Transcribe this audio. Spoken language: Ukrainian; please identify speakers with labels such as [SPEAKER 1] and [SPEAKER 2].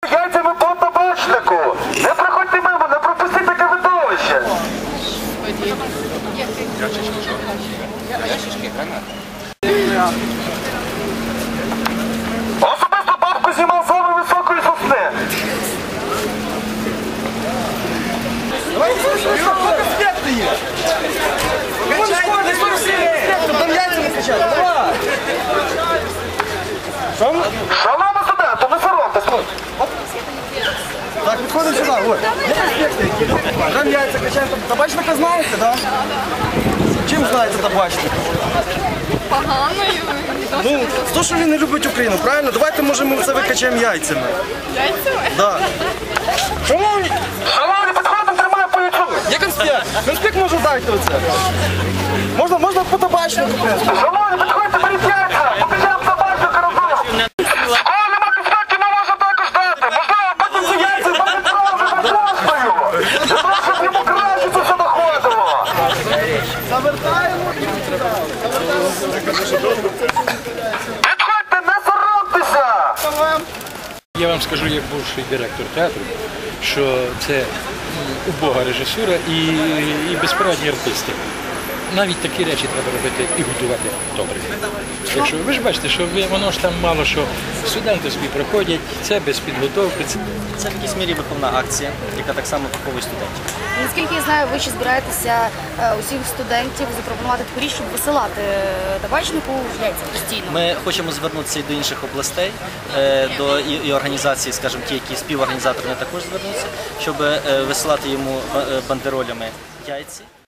[SPEAKER 1] Яйцями по табачнику! Не проходьте мимо, не пропустіть таке видовище! Особисто бабку знімав саме високої сосни! Шановні студенти, не соромтесь!
[SPEAKER 2] Так, підходимо сюди, ось. Там яйця качаємо. Табачника знаєте, так? Чим знаєте табачник?
[SPEAKER 3] Поганою.
[SPEAKER 2] Ну, то, що він не любить Україну, правильно? Давайте, може, ми це викачаємо яйцями.
[SPEAKER 3] Яйцями?
[SPEAKER 2] Так. Шановні!
[SPEAKER 1] Шановні, підходимо, тримаю по яйцю!
[SPEAKER 2] Є конспект! Конспект може дайте оце. Можна по табачнику, в принципі.
[SPEAKER 1] Шановні, підходьте, беріть яйця! Побіжаємо табачник разом! Школи нема конспектів, не може також дати! Можливо, потім ці яйця будуть трохи за постою! Для того, щоб йому краще це все доходило! Підходьте, не соромтеся!
[SPEAKER 4] Я вам скажу, як бувший директор театру, що це убога режисура і безпорадні артисти. Навіть такі речі треба робити і готувати добре. Так що, ви ж бачите, що воно ж там мало що студенти собі проходять, це без підготовки.
[SPEAKER 5] Це в якійсь мірі виховна акція, яка так само виховує студентів.
[SPEAKER 6] Наскільки я знаю, ви ще збираєтеся усіх студентів запропонувати таку річ, щоб висилати табачнику яйця постійно.
[SPEAKER 5] Ми хочемо звернутися і до інших областей, до і організацій, скажімо, ті, які співорганізатори, також звернуться, щоб висилати йому бандеролями яйці.